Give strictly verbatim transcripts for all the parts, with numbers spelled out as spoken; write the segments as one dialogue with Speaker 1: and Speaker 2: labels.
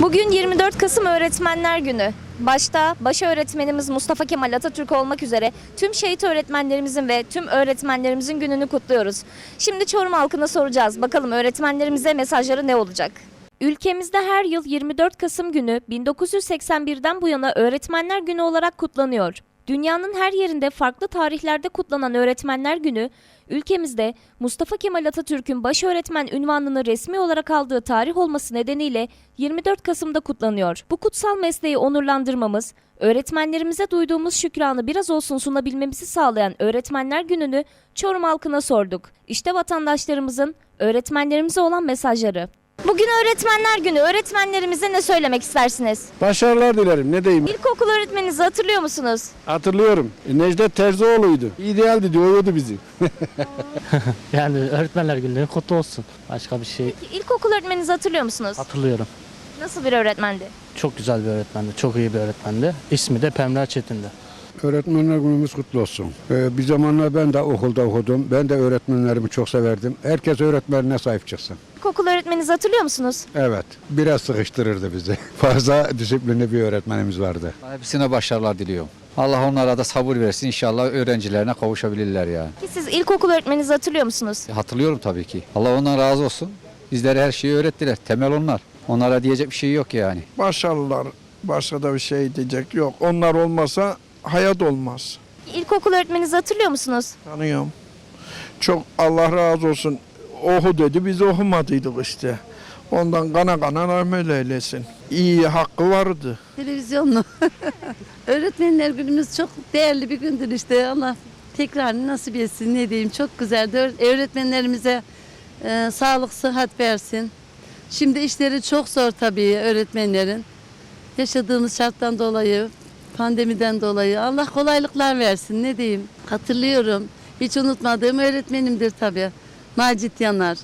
Speaker 1: Bugün yirmi dört Kasım Öğretmenler Günü. Başta baş öğretmenimiz Mustafa Kemal Atatürk olmak üzere tüm şehit öğretmenlerimizin ve tüm öğretmenlerimizin gününü kutluyoruz. Şimdi Çorum halkına soracağız. Bakalım öğretmenlerimize mesajları ne olacak? Ülkemizde her yıl yirmi dört Kasım günü bin dokuz yüz seksen birden bu yana Öğretmenler Günü olarak kutlanıyor. Dünyanın her yerinde farklı tarihlerde kutlanan Öğretmenler Günü, ülkemizde Mustafa Kemal Atatürk'ün baş öğretmen unvanını resmi olarak aldığı tarih olması nedeniyle yirmi dört Kasım'da kutlanıyor. Bu kutsal mesleği onurlandırmamız, öğretmenlerimize duyduğumuz şükranı biraz olsun sunabilmemizi sağlayan Öğretmenler Günü'nü Çorum halkına sorduk. İşte vatandaşlarımızın öğretmenlerimize olan mesajları. Bugün Öğretmenler Günü. Öğretmenlerimize ne söylemek istersiniz?
Speaker 2: Başarılar dilerim. Ne diyeyim?
Speaker 1: İlkokul öğretmeninizi hatırlıyor musunuz?
Speaker 2: Hatırlıyorum. Necdet Terzioğlu'ydu. İdealdi diyordu bizi.
Speaker 3: Yani Öğretmenler Günü kutlu olsun. Başka bir şey
Speaker 1: Peki, İlkokul öğretmeninizi hatırlıyor musunuz?
Speaker 3: hatırlıyorum.
Speaker 1: Nasıl bir öğretmendi?
Speaker 3: Çok güzel bir öğretmendi. Çok iyi bir öğretmendi. İsmi de Pemra Çetin'di.
Speaker 2: Öğretmenler günümüz kutlu olsun. Ee, bir zamanlar ben de okulda okudum. Ben de öğretmenlerimi çok severdim. Herkes öğretmenine sahip çıksın.
Speaker 1: İlkokul öğretmeninizi hatırlıyor musunuz?
Speaker 2: Evet. Biraz sıkıştırırdı bizi. Fazla disiplinli bir öğretmenimiz vardı.
Speaker 4: Hepsine başarılar diliyorum. Allah onlara da sabır versin. İnşallah öğrencilerine kavuşabilirler yani.
Speaker 1: Ki siz ilkokul öğretmeninizi hatırlıyor musunuz?
Speaker 4: Hatırlıyorum tabii ki. Allah ondan razı olsun. Bizlere her şeyi öğrettiler. Temel onlar. Onlara diyecek bir şey yok yani.
Speaker 5: Başarılar. Başka da bir şey diyecek yok. Onlar olmasa hayat olmaz.
Speaker 1: İlkokul öğretmeninizi hatırlıyor musunuz?
Speaker 5: Tanıyorum. Çok Allah razı olsun. Oku dedi, biz okumadıydık işte. Ondan kana kana rahmet eylesin. İyi hakkı vardı.
Speaker 6: Televizyonlu. Öğretmenler günümüz çok değerli bir gündür işte. Allah tekrarını nasip etsin, ne diyeyim, çok güzeldi. Öğretmenlerimize e, sağlık, sıhhat versin. Şimdi işleri çok zor tabii öğretmenlerin. Yaşadığımız şarttan dolayı, pandemiden dolayı Allah kolaylıklar versin, ne diyeyim. Hatırlıyorum, hiç unutmadığım öğretmenimdir tabii. Macit Yanar.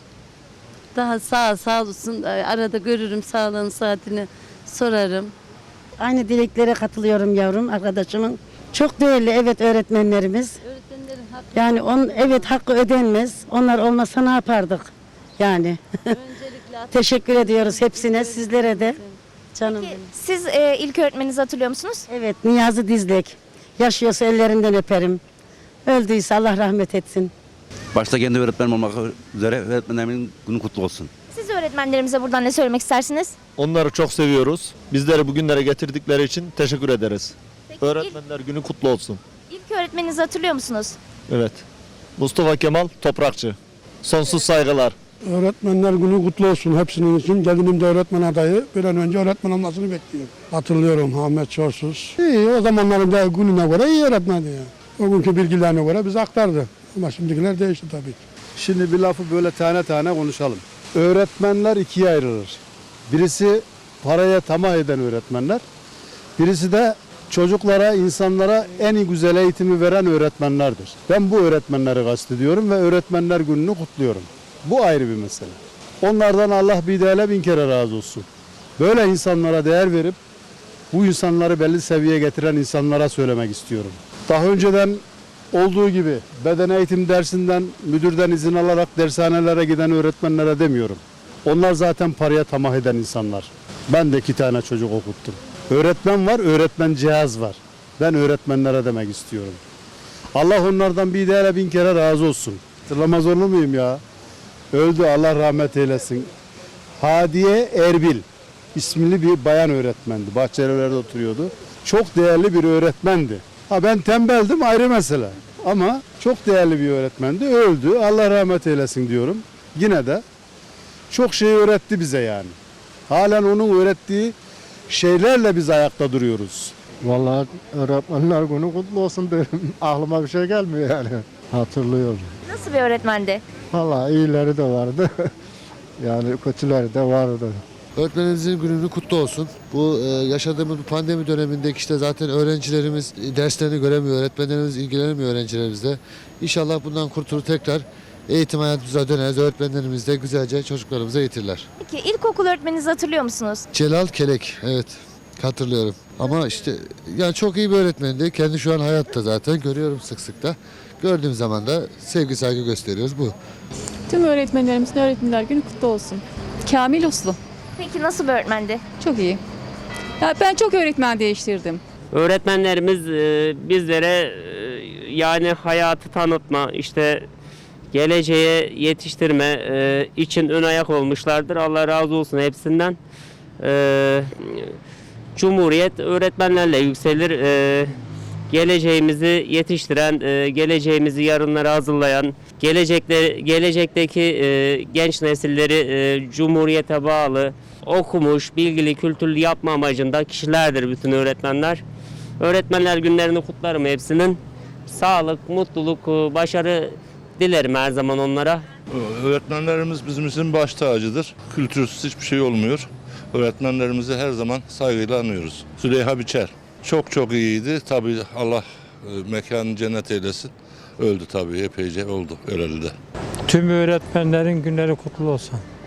Speaker 6: Daha sağ sağ olsun, arada görürüm, sağlığını, saatini sorarım.
Speaker 7: Aynı dileklere katılıyorum yavrum arkadaşımın. Çok değerli evet öğretmenlerimiz.
Speaker 6: Öğretmenlerin hakkı.
Speaker 7: Yani on evet hakkı ödenmez. Onlar olmasa ne yapardık? Yani.
Speaker 6: Öncelikle
Speaker 7: Teşekkür ediyoruz hepsine, sizlere de. Canım
Speaker 1: Peki,
Speaker 7: benim.
Speaker 1: siz e, ilk öğretmeninizi hatırlıyor musunuz?
Speaker 7: Evet, Niyazi Dizlek. Yaşıyorsa ellerinden öperim. Öldüyse Allah rahmet etsin.
Speaker 8: Başta kendi öğretmenim olmak üzere öğretmenlerimin günü kutlu olsun.
Speaker 1: Siz öğretmenlerimize buradan ne söylemek istersiniz?
Speaker 9: Onları çok seviyoruz. Bizleri bugünlere getirdikleri için teşekkür ederiz.
Speaker 1: Peki,
Speaker 9: Öğretmenler günü kutlu olsun.
Speaker 1: ilk, ilk öğretmeninizi hatırlıyor musunuz?
Speaker 9: Evet. Mustafa Kemal Toprakçı. Sonsuz saygılar.
Speaker 2: Öğretmenler günü kutlu olsun hepsinin için. Gelinim de öğretmen adayı. Bir an önce öğretmen olmasını bekliyorum. Hatırlıyorum Ahmet Çorsuz. İyi, o zamanların da gününe göre iyi öğretmendi ya. O günkü bilgilerine göre bize aktardı. Ama şimdikiler değişti tabii ki.
Speaker 10: Şimdi bir lafı böyle tane tane konuşalım. Öğretmenler ikiye ayrılır. Birisi paraya tamah eden öğretmenler. Birisi de çocuklara, insanlara en iyi güzel eğitimi veren öğretmenlerdir. Ben bu öğretmenleri kastediyorum ve öğretmenler gününü kutluyorum. Bu ayrı bir mesele. Onlardan Allah bir değerle bin kere razı olsun. Böyle insanlara değer verip bu insanları belli seviyeye getiren insanlara söylemek istiyorum. Daha önceden olduğu gibi beden eğitim dersinden, müdürden izin alarak dershanelere giden öğretmenlere demiyorum. Onlar zaten paraya tamah eden insanlar. Ben de iki tane çocuk okuttum. Öğretmen var, öğretmen cihaz var. Ben öğretmenlere demek istiyorum. Allah onlardan bir değerle bin kere razı olsun. Hatırlamaz olur muyum ya? Öldü, Allah rahmet eylesin. Hadiye Erbil isimli bir bayan öğretmendi. Bahçelievler'de oturuyordu. Çok değerli bir öğretmendi. Ha ben tembeldim ayrı mesele. Ama çok değerli bir öğretmendi. Öldü. Allah rahmet eylesin diyorum. Yine de çok şey öğretti bize yani. Halen onun öğrettiği şeylerle biz ayakta duruyoruz. Vallahi öğretmenler günü kutlu olsun derim. Aklıma bir şey gelmiyor yani. Hatırlıyorum.
Speaker 1: Nasıl bir öğretmendi?
Speaker 10: Vallahi iyileri de vardı. Yani kötüleri de vardı.
Speaker 11: Öğretmenlerimizin gününü kutlu olsun. Bu e, yaşadığımız bu pandemi dönemindeki işte zaten öğrencilerimiz derslerini göremiyor, öğretmenlerimiz ilgilenemiyor öğrencilerimizle. İnşallah bundan kurtulur tekrar eğitim hayatımıza döneriz. Öğretmenlerimiz de güzelce çocuklarımıza eğitirler.
Speaker 1: Peki ilkokul öğretmeninizi hatırlıyor musunuz?
Speaker 11: Celal Kelek, evet hatırlıyorum. Ama işte yani çok iyi bir öğretmendi. Kendi şu an hayatta zaten görüyorum sık sık da. Gördüğüm zaman da sevgi saygı gösteriyoruz bu.
Speaker 12: Tüm öğretmenlerimizin Öğretmenler Günü kutlu olsun. Kamil Uslu.
Speaker 1: Peki nasıl bir öğretmendi?
Speaker 12: Çok iyi. Ya ben çok öğretmen değiştirdim.
Speaker 3: Öğretmenlerimiz e, bizlere e, yani hayatı tanıtma, işte geleceğe yetiştirme e, için ön ayak olmuşlardır. Allah razı olsun hepsinden. E, Cumhuriyet öğretmenlerle yükselir. E, geleceğimizi yetiştiren, e, geleceğimizi yarınlara hazırlayan, gelecekte gelecekteki e, genç nesilleri e, Cumhuriyete bağlı, okumuş, bilgili, kültürlü yapma amacında kişilerdir bütün öğretmenler. Öğretmenler günlerini kutlarım hepsinin. Sağlık, mutluluk, başarı dilerim her zaman onlara.
Speaker 9: Öğretmenlerimiz bizim için baş tacıdır. Kültürsüz hiçbir şey olmuyor. Öğretmenlerimizi her zaman saygıyla anıyoruz. Züleyha Biçer çok çok iyiydi. Tabii Allah e, mekanı cennet eylesin. Öldü tabii, epeyce oldu öleli de.
Speaker 2: Tüm öğretmenlerin günleri kutlu olsun.